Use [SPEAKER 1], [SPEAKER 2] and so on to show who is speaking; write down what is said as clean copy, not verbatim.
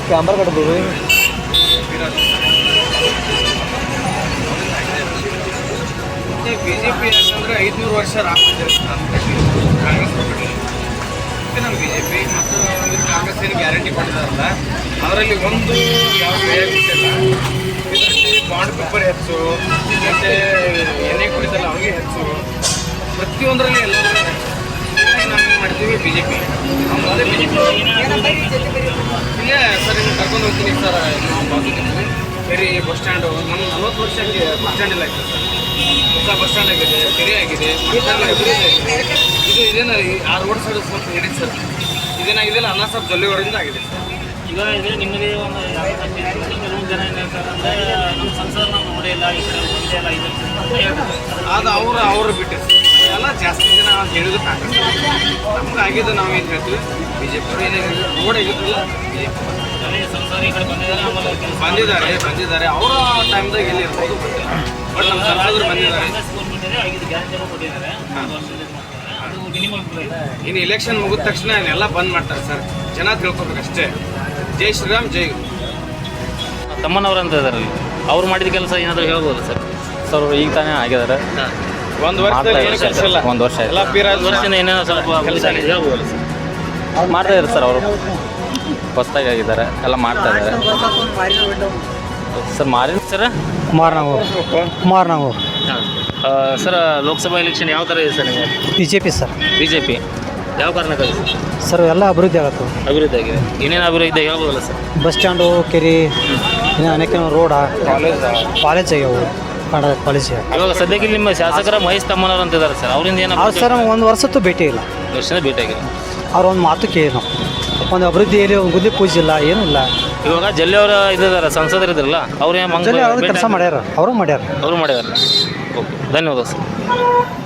[SPEAKER 1] Camera ಕಟ್ಬೋದು.
[SPEAKER 2] BJP ಯಾಕಂದ್ರೆ 500 ವರ್ಷ ರಾಮ ಮಂದಿರ ಕಾಂಗ್ರೆಸ್ ನಮ್ಮ ಬಿಜೆಪಿ ಮತ್ತು ಕಾಂಗ್ರೆಸ್ ಏನು ಗ್ಯಾರಂಟಿ ಕೊಟ್ಟಿದಾರಲ್ಲ ಅದರಲ್ಲಿ ಒಂದು ಯಾವ ಬಿಟ್ಟಿಲ್ಲ. ಇದರಲ್ಲಿ ಬಾಂಡ್ ಪೇಪರ್ ಹೆಚ್ಚು, ಮತ್ತು ಎಣ್ಣೆ ಕುಡಿತಲ್ಲ ಅವ್ರಿಗೆ ಹೆಚ್ಚು, ಪ್ರತಿಯೊಂದರಲ್ಲಿ ಎಲ್ಲರೂ ಹೆಚ್ಚು. ನಾವು ಏನು ಮಾಡ್ತೀವಿ ಬಿಜೆಪಿ. ನಾವು ಮೊದಲೇ ಬಿಜೆಪಿ ಇಲ್ಲೇ ಸರ್ ನಿಮ್ಗೆ ಕರ್ಕೊಂಡು ಹೋಗ್ತೀನಿ ಸರ್. ನಾವು ಬಾಜುಕಿದ್ದೀವಿ ಬೇರೆ ಬಸ್ ಸ್ಟ್ಯಾಂಡು. ನಮ್ಮ 40 ವರ್ಷ ಬಸ್ ಸ್ಟ್ಯಾಂಡ್ ಇಲ್ಲ ಆಗಿದೆ ಸರ್. ಹೊಸ ಬಸ್ ಸ್ಟ್ಯಾಂಡ್ ಆಗಿದೆ, ಕೆರೆ ಆಗಿದೆ, ಇದೇನ ಆ ರೋಡ್ ಸೈಡ್ ಸ್ವಲ್ಪ ಹಿಡಿದು ಸರ್. ಇದೇನಾಗಿದೆಯಲ್ಲ ಅನ್ನ ಸಾಬ್ ಜೊಲ್ಲೆವರಿಂದ ಆಗಿದೆ ಸರ್.
[SPEAKER 3] ಈಗ ಇದೆ ನಿಮಗೆ ಒಂದು ಕೆಲವೊಂದು ಜನ ಏನು ಹೇಳ್ತಾರೆ ಅಂದರೆ ನಮ್ಮ ಸಂಸಾರ ನಾವು ನೋಡಿಲ್ಲ, ಈ ಕಡೆ ಹೋಗಿಲ್ಲ,
[SPEAKER 2] ಅದು ಅವರು ಬಿಟ್ಟರೆ ಎಲ್ಲ ಜಾಸ್ತಿ ಜನ ಅಂತ ಹೇಳಿದ್ರು ಕಾಂಗ್ರೆಸ್. ನಮ್ಗೆ ಆಗಿದ್ದು ನಾವು ಏನು ಹೇಳ್ತೀವಿ ಬಿಜೆಪಿ ಅವರು ಏನಾಗಿದೆ ರೋಡ್ ಆಗಿದ್ರಲ್ಲ ಬಿಜೆಪಿ
[SPEAKER 3] ಸಂಸಾರ ಈ ಕಡೆ
[SPEAKER 2] ಬಂದಿದ್ದಾರೆ. ಅವರ ಟೈಮ್ದಾಗ ಎಲ್ಲಿ ಇರ್ಬೋದು ಬಟ್ ನಮ್ಮ ಸಂಸದರು ಬಂದಿದ್ದಾರೆ.
[SPEAKER 3] ಆಗಿದ್ದು ಗ್ಯಾರಂಟಿ ಕೊಟ್ಟಿದ್ದಾರೆ. ಅದು ಮಿನಿಮಮ್
[SPEAKER 2] ಇನ್ನು ಎಲೆಕ್ಷನ್ ಮುಗಿದ ತಕ್ಷಣ ಎಲ್ಲ ಬಂದ್ ಮಾಡ್ತಾರೆ ಸರ್. ಜನ ತಿಳ್ಕೊಬೇಕಷ್ಟೇ. ಜೈ ಶ್ರೀರಾಮ್, ಜೈ ಗುರು.
[SPEAKER 3] ತಮ್ಮನವರು ಅಂತ ಇದ್ದಾರೆ, ಅವ್ರು ಮಾಡಿದ ಕೆಲಸ ಏನಾದರೂ ಹೇಳ್ಬೋದು ಸರ್?
[SPEAKER 1] ಸರ್ ಈಗ ತಾನೇ ಆಗಿದ್ದಾರೆ.
[SPEAKER 2] ಒಂದು ವರ್ಷದಲ್ಲಿ ಏನು ಕೆಲಸ ಇಲ್ಲ.
[SPEAKER 1] ಒಂದು ವರ್ಷ
[SPEAKER 2] ಎಲ್ಲ
[SPEAKER 3] ವರ್ಷದಿಂದ ಏನೇನೋ ಸ್ವಲ್ಪ ಕೆಲಸ ಆಗಿದೆ ಹೇಳ್ಬೋದು ಸರ್?
[SPEAKER 1] ಮಾಡ್ತಾ ಇದ್ದಾರೆ ಸರ್. ಅವರು ಹೊಸದಾಗಿ ಆಗಿದ್ದಾರೆ, ಎಲ್ಲ ಮಾಡ್ತಾ ಇದ್ದಾರೆ ಸರ್. ಮಾರಿನ sir
[SPEAKER 4] Kumaranagowda
[SPEAKER 3] sir, Lok Sabha election ಯಾವ ಥರ ಇದೆ ಸರ್ ನಿಮಗೆ?
[SPEAKER 4] BJP sir.
[SPEAKER 3] BJP ಯಾವ ಕಾರಣಕ್ಕಾಗಿ
[SPEAKER 4] ಸರ್ ಎಲ್ಲ ಅಭಿವೃದ್ಧಿ ಆಗತ್ತೆ.
[SPEAKER 3] ಅಭಿವೃದ್ಧಿ ಆಗಿದೆ. ಏನೇನು ಅಭಿವೃದ್ಧಿ ಹೇಳ್ಬೋದಲ್ಲ ಸರ್?
[SPEAKER 4] ಬಸ್ ಸ್ಟ್ಯಾಂಡು, ಕೆರೆ, ಇನ್ನು ಅನೇಕ ರೋಡ, ಕಾಲೇಜ್ ಆಗ್ಯಾವು, ಕಾಲೇಜ್.
[SPEAKER 3] ಇವಾಗ ಸದ್ಯಕ್ಕೆ ನಿಮ್ಮ ಶಾಸಕರ ಮಹೇಶ್ ತಮ್ಮನವರು ಅಂತ ಇದ್ದಾರೆ ಸರ್. ಅವರಿಂದ ಏನು
[SPEAKER 4] ಅವ್ರು ಸರ್ ಒಂದು ವರ್ಷದ್ದು ಭೇಟಿ ಇಲ್ಲ.
[SPEAKER 3] ವರ್ಷದ ಭೇಟಿಯಾಗಿದೆ.
[SPEAKER 4] ಅವ್ರ ಒಂದು ಮಾತು ಕೇಳಿ ನಾವು ಒಂದು ಅಭಿವೃದ್ಧಿಯಲ್ಲಿ ಒಂದು ಗುದ್ದಿ ಪೂಜೆ ಇಲ್ಲ, ಏನೂ ಇಲ್ಲ.
[SPEAKER 3] ಇವಾಗ ಜಲ್ಲಿ ಅವರ ಇದ್ದಾರೆ ಸಂಸದರು ಇದ್ರಲ್ಲ, ಅವ್ರು
[SPEAKER 4] ಕೆಲಸ ಮಾಡ್ಯಾರ, ಅವರು ಮಾಡ್ಯಾರ.
[SPEAKER 3] ಅವರು ಮಾಡಿದ್ದಾರೆ. ಓಕೆ, ಧನ್ಯವಾದ ಸರ್.